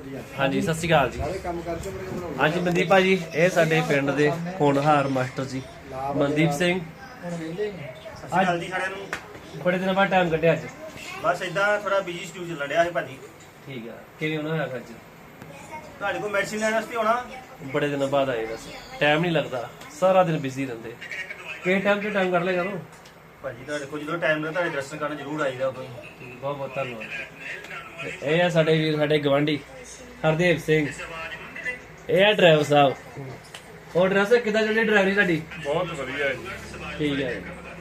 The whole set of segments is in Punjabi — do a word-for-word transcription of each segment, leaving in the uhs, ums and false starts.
ਹਾਂਜੀ ਸਤਿ ਸ਼੍ਰੀ ਅਕਾਲ ਜੀ। ਹਾਂਜੀ ਮਨਦੀਪ ਭਾਜੀ ਇਹ ਸਾਡੇ ਪਿੰਡ ਦੇ ਹੋਣਹਾਰ ਮਾਸਟਰ ਜੀ ਮਨਦੀਪ ਸਿੰਘ। ਅੱਜ ਜੀ ਸਾਰਿਆਂ ਨੂੰ ਬੜੇ ਦਿਨਾਂ ਬਾਅਦ ਟਾਈਮ ਕੱਢਿਆ ਅੱਜ। ਬਸ ਇਦਾਂ ਥੋੜਾ ਬਿਜੀ ਸ਼ਡਿਊਲ ਚੱਲ ਰਿਹਾ ਸੀ ਭਾਜੀ। ਠੀਕ ਆ ਕਿਵੇਂ ਹੋਣਾ ਹੋਇਆ ਅੱਜ? ਤੁਹਾਡੇ ਕੋਲ ਮੈਡੀਸਿਨ ਲੈਣ ਵਾਸਤੇ ਆਉਣਾ। ਬੜੇ ਦਿਨਾਂ ਬਾਅਦ ਆਏ ਬਸ ਟਾਈਮ ਨਹੀਂ ਲੱਗਦਾ, ਸਾਰਾ ਦਿਨ ਬਿਜ਼ੀ ਰਹਿੰਦੇ। ਕਿਹੜੇ ਟਾਈਮ ਤੇ ਟਾਈਮ ਕੱਢ ਲਿਆ ਕਰੋ ਭਾਜੀ। ਤੁਹਾਡੇ ਕੋਲ ਜਦੋਂ ਟਾਈਮ ਲੱਗਦਾ ਤੁਹਾਡੇ ਦਰਸ਼ਨ ਕਰਨ ਜ਼ਰੂਰ ਆਈਦਾ ਉਦੋਂ ਹੀ। ਬਹੁਤ ਬਹੁਤ ਧੰਨਵਾਦ। ਇਹ ਆ ਸਾਡੇ ਵੀਰ ਸਾਡੇ ਗਵਾਂਢੀ ਹਰਦੇਵ ਸਿੰਘ। ਇਹ ਆ ਡਰਾਈਵਰ ਸਾਹਿਬ। ਹੋਰ ਡਰਾਈਵਰ ਕਿੱਦਾਂ ਚੱਲੀ ਡਰਾਈਵਰੀ ਤੁਹਾਡੀ? ਬਹੁਤ ਵਧੀਆ ਜੀ। ਠੀਕ ਹੈ।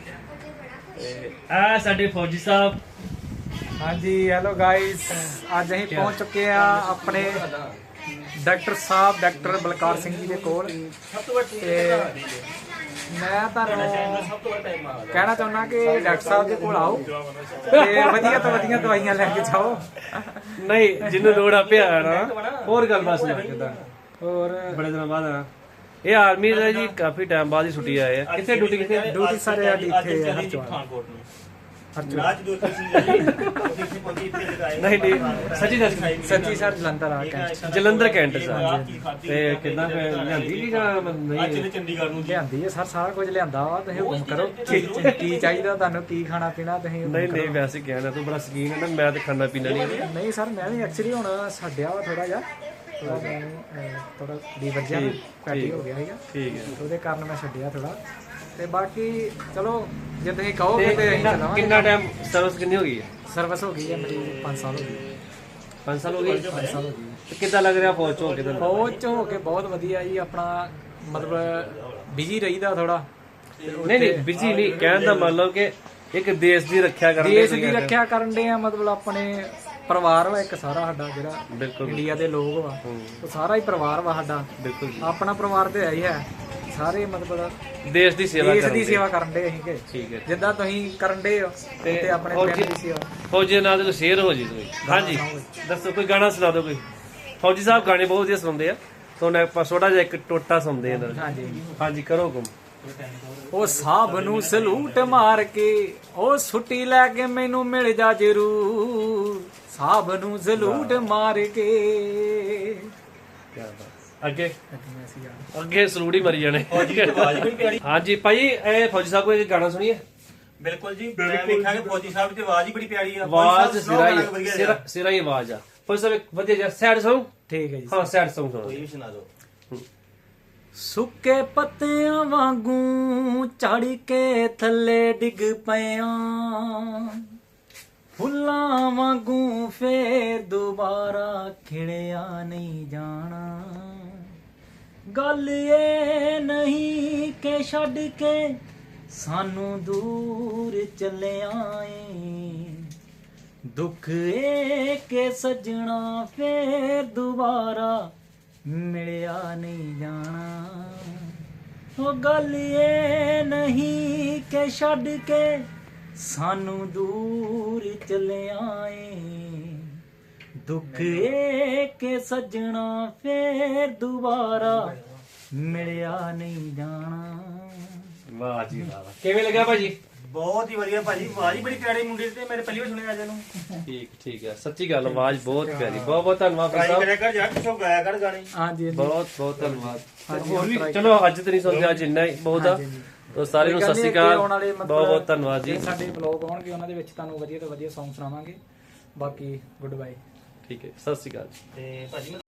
ਤੇ ਆ ਸਾਡੇ ਫੌਜੀ ਸਾਹਿਬ। ਹਾਂਜੀ ਹੈਲੋ ਗਾਇਸ, ਅੱਜ ਅਸੀਂ ਪਹੁੰਚ ਚੁੱਕੇ ਆ ਆਪਣੇ ਡਾਕਟਰ ਸਾਹਿਬ ਡਾਕਟਰ ਬਲਕਾਰ ਸਿੰਘ ਜੀ ਦੇ ਕੋਲ। ਤੇ ਮੈਂ ਤੁਹਾਨੂੰ ਕਹਿਣਾ ਚਾਹੁੰਦਾ ਕਿ ਡਾਕਟਰ ਸਾਹਿਬ ਦੇ ਕੋਲ ਆਓ ਤੇ ਵਧੀਆ ਤੋਂ ਵਧੀਆ ਦਵਾਈਆਂ ਲੈ ਕੇ ਜਾਓ। ਨਹੀਂ ਜਿਹਨੂੰ ਲੋੜ ਆ ਪਿਆ ਨਾ। ਹੋਰ ਗੱਲ ਬਸ ਨਾ ਕਿਦਾਂ ਹੋਰ ਬੜੇ ਦਿਨਾਂ ਬਾਅਦ ਆ। ਇਹ ਆਰਮੀ ਦਾ ਜੀ ਕਾਫੀ ਟਾਈਮ ਬਾਅਦ ਹੀ ਛੁੱਟੀ ਆਏ ਆ। ਕਿੱਥੇ ਡਿਊਟੀ ਕਿੱਥੇ? ਡਿਊਟੀ ਸਾਰੇ ਸਾਡੀ ਇੱਥੇ ਹੈ ਹਰਚਵਾਲ। ਪਠਾਨਕੋਟ ਨੂੰ ਹਰਚਵਾਲ ਅੱਜ ਦੋ ਤਿੰਨ ਦਿਨ ਇੱਥੇ ਪਹੁੰਚੀ ਇੱਥੇ ਲਗਾਏ। ਨਹੀਂ ਨਹੀਂ ਸੱਚੀ ਦੱਸ। ਸੱਚੀ ਸਰ ਜਲੰਧਰ ਆ ਕੈਂਟ ਜਲੰਧਰ ਕੈਂਟ ਚ। ਤੇ ਕਿੰਨਾ ਲਿਆਂਦੀ ਕੀ ਜਾਂ ਨਹੀਂ? ਅੱਜ ਚੰਡੀਗੜ੍ਹ ਨੂੰ ਲਿਆਂਦੀ ਹੈ ਸਰ, ਸਾਰਾ ਕੁਝ ਲਿਆਂਦਾ ਵਾ। ਤੁਸੀਂ ਹੁਕਮ ਕਰੋ ਕੀ ਕੀ ਚਾਹੀਦਾ ਤੁਹਾਨੂੰ, ਕੀ ਖਾਣਾ ਪੀਣਾ ਤੁਸੀਂ ਹੁਕਮ ਨਹੀਂ ਕਰੋ। ਨਹੀਂ ਵੈਸੇ ਕਹਿਣਾ ਤੂੰ ਬੜਾ ਸ਼ਕੀਨ ਹੈ ਨਾ। ਮੈਂ ਤੇ ਖਾਣਾ ਪੀਣਾ ਨਹੀਂ। ਨਹੀਂ ਸਰ ਮੈਂ ਵੀ ਐਕਚੁਅਲੀ ਹੁਣ ਛੱਡਿਆ ਵਾ ਥੋੜਾ ਜਿਹਾ। ਥੋੜਾ ਮੈਨੂੰ ਥੋੜਾ ਲੀਵਰ ਜਿਹਾ ਫੈਟੀ ਹੋ ਗਿਆ ਸੀਗਾ, ਠੀਕ ਹੈ। ਉਹਦੇ ਕਾਰਨ ਮੈਂ ਛੱਡਿਆ ਥੋੜਾ। ਤੇ ਬਾਕੀ ਚਲੋ ਜੇ ਤੁਸੀਂ ਕਹੋਗੇ ਤੇ ਅਸੀਂ ਚਲਾਵਾਂਗੇ। ਕਿੰਨਾ ਟਾਈਮ ਸਰਵਿਸ ਕਿੰਨੀ ਹੋ ਗਈ ਹੈ? ਸਰਵਿਸ ਹੋ ਗਈ ਹੈ ਮੇਰੀ ਪੰਜ ਸਾਲ ਹੋ ਗਏ। ਪੰਜ ਸਾਲ ਹੋ ਗਏ। ਪੰਜ ਸਾਲ ਹੋ ਗਏ। ਤੇ ਕਿੱਦਾਂ ਲੱਗ ਰਿਹਾ ਫੌਜ ਚ ਹੋ ਕੇ ਤੁਹਾਨੂੰ? ਫੌਜ ਚ ਹੋ ਕੇ ਬਹੁਤ ਵਧੀਆ ਜੀ। ਆਪਣਾ ਮਤਲਬ ਬਿਜੀ ਰਹੀਦਾ ਥੋੜਾ। ਨਹੀਂ ਨਹੀਂ ਬਿਜੀ ਨਹੀਂ ਕਹਿਣ ਦਾ ਮਤਲਬ ਕਿ ਇੱਕ ਦੇਸ਼ ਦੀ ਰੱਖਿਆ ਕਰਨ ਦੇਸ਼ ਦੀ ਰੱਖਿਆ ਕਰਨ ਦੇ ਆ। ਮਤਲਬ ਆਪਣੇ ਪਰਿਵਾਰ ਵਾ ਇੱਕ ਸਾਰਾ ਸਾਡਾ ਜਿਹੜਾ ਬਿਲਕੁਲ ਇੰਡੀਆ ਦੇ ਲੋਕ ਵਾ, ਉਹ ਸਾਰਾ ਹੀ ਪਰਿਵਾਰ ਵਾ ਸਾਡਾ। ਬਿਲਕੁਲ ਆਪਣਾ ਪਰਿਵਾਰ ਤੇ ਹੈ ਹੀ ਹੈ। ਸਾਰੇ ਮਤਲਬ ਦੇਸ਼ ਦੀ ਸੇਵਾ ਦੇਸ਼ ਕਰਨ ਦੀ ਸੇਵਾ ਕਰਨ ਦੇ ਅਸੀਂ ਕਿ ਠੀਕ ਹੈ। ਜਿੱਦਾਂ ਤੁਸੀਂ ਕਰਨ ਦੇ ਹੋ ਤੇ ਆਪਣੇ ਫੌਜੀ- ਪਿੰਡ ਦੀ ਸੇਵਾ। ਫੌਜੀ ਨਾਲ ਕੋਈ ਸ਼ੇਅਰ ਹੋ ਜੀ ਤੁਸੀਂ। ਹਾਂਜੀ ਦੱਸੋ ਕੋਈ ਗਾਣਾ ਸੁਣਾ ਦਿਓ ਕੋਈ। ਫੌਜੀ ਸਾਹਿਬ ਗਾਣੇ ਬਹੁਤ ਵਧੀਆ ਸੁਣਦੇ ਆ। ਤੁਹਾਨੂੰ ਆਪਾਂ ਛੋਟਾ ਜਿਹਾ ਇੱਕ ਟੋਟਾ ਸੁਣਦੇ ਆ। ਹਾਂਜੀ ਹਾਂਜੀ ਕਰੋ ਹੁਕਮ। ਉਹ ਸਾਬ ਨੂੰ ਸਲੂਟ ਮਾਰ ਕੇ ਉਹ ਛੁੱਟੀ ਲੈ ਕੇ ਮੈਨੂੰ ਮਿਲ ਜਾ ਜਰੂਰ। ਸਾਬ ਨੂੰ ਸਲੂਟ ਮਾਰ ਕੇ ਅੱਗੇ ਅੱਗੇ ਸਲੂਟ ਹੀ ਮਰੀ ਜਾਣੇ। ਹਾਂਜੀ ਭਾਈ ਇਹ ਫੌਜੀ ਸਾਹਿਬ ਕੋਈ ਗਾਣਾ ਸੁਣੀਏ। ਬਿਲਕੁਲ ਜੀ। ਮੈਂ ਵੇਖਿਆ ਕਿ ਫੌਜੀ ਸਾਹਿਬ ਦੀ ਆਵਾਜ਼ ਹੀ ਬੜੀ ਪਿਆਰੀ ਆ। ਆਵਾਜ਼ ਸਿਰਾ ਹੀ ਸਿਰਾ ਸਿਰਾ ਹੀ ਆਵਾਜ਼ ਆ। ਫੌਜੀ ਸਾਹਿਬ ਇੱਕ ਵਧੀਆ ਜਿਹਾ ਸੈਡ Song। ਠੀਕ ਹੈ ਜੀ। ਹਾਂ ਸੈਡ Song ਸੁਣਾਓ। ਕੋਈ ਵੀ ਸੁਣਾ ਦਿਓ। ਸੁੱਕੇ ਪੱਤਿਆਂ ਵਾਂਗੂ ਝੜ ਕੇ ਥੱਲੇ ਡਿੱਗ ਪਿਆ, ਫੁੱਲਾਂ ਵਾਂਗੂ ਫੇਰ ਦੁਬਾਰਾ ਖਿੜਿਆ ਨਹੀਂ ਜਾਣਾ। ਗੱਲ ਇਹ ਨਹੀਂ ਕਿ ਛੱਡ ਕੇ ਸਾਨੂੰ ਦੂਰ ਚੱਲਿਆ ਏ, ਦੁੱਖ ਇਹ ਕਿ ਸੱਜਣਾ ਫੇਰ ਦੁਬਾਰਾ ਮਿਲਿਆ ਨਹੀਂ ਜਾਣਾ। ਉਹ ਗੱਲ ਇਹ ਨਹੀਂ ਕਿ ਛੱਡ ਕੇ ਸਾਨੂੰ ਦੂਰ ਚੱਲਿਆ ਏ, ਦੁੱਖ ਇਹ ਕਿ ਸੱਜਣਾ ਫੇਰ ਦੁਬਾਰਾ ਮਿਲਿਆ ਨਹੀਂ ਜਾਣਾ। ਵਾਹ ਜੀ ਵਾਹ। ਕਿਵੇਂ ਲੱਗਾ ਭਾਜੀ? ਬਹੁਤ ਹੀ ਵਧੀਆ ਭਾਜੀ। ਆਵਾਜ਼ ਹੀ ਬੜੀ ਪਿਆਰੀ ਮੁੰਡੇ ਦੀ ਤੇ ਮੇਰੇ ਪਹਿਲੀ ਵਾਰ ਸੁਣਿਆ ਅੱਜ ਇਹਨੂੰ। ਠੀਕ ਠੀਕ ਹੈ। ਸੱਚੀ ਗੱਲ ਆਵਾਜ਼ ਬਹੁਤ ਪਿਆਰੀ। ਬਹੁਤ ਬਹੁਤ ਧੰਨਵਾਦ ਟਰਾਈ ਸਾਹਿਬ। ਕਰਿਆ ਕਰ ਯਾਰ, ਕਿਥੋਂ ਗਾਇਆ ਕਰ ਗਾਣੇ। ਹਾਂਜੀ ਬਹੁਤ ਬਹੁਤ ਧੰਨਵਾਦ। ਹਾਂਜੀ, ਹੋਰ ਵੀ try ਚਲੋ ਅੱਜ ਤੇ ਨਹੀਂ ਸੁਣਦੇ, ਅੱਜ ਇੰਨਾ ਹੀ ਬਹੁਤ ਆ। ਤੋ ਸਾਰਿਆਂ ਨੂੰ ਸਤਿ ਸ਼੍ਰੀ ਅਕਾਲ। ਬਹੁਤ ਬਹੁਤ ਧੰਨਵਾਦ ਜੀ। ਸਾਡੇ ਬਲੌਗ ਆਉਣਗੇ ਉਹਨਾਂ ਦੇ ਵਿੱਚ ਤੁਹਾਨੂੰ ਵਧੀਆ ਤੋਂ ਵਧੀਆ Song ਸੁਣਾਵਾਂਗੇ। ਬਾਕੀ ਗੁੱਡ ਬਾਏ। ਠੀਕ ਹੈ ਸਤਿ ਸ਼੍ਰੀ ਅਕਾਲ। ਤੇ ਭਾਜੀ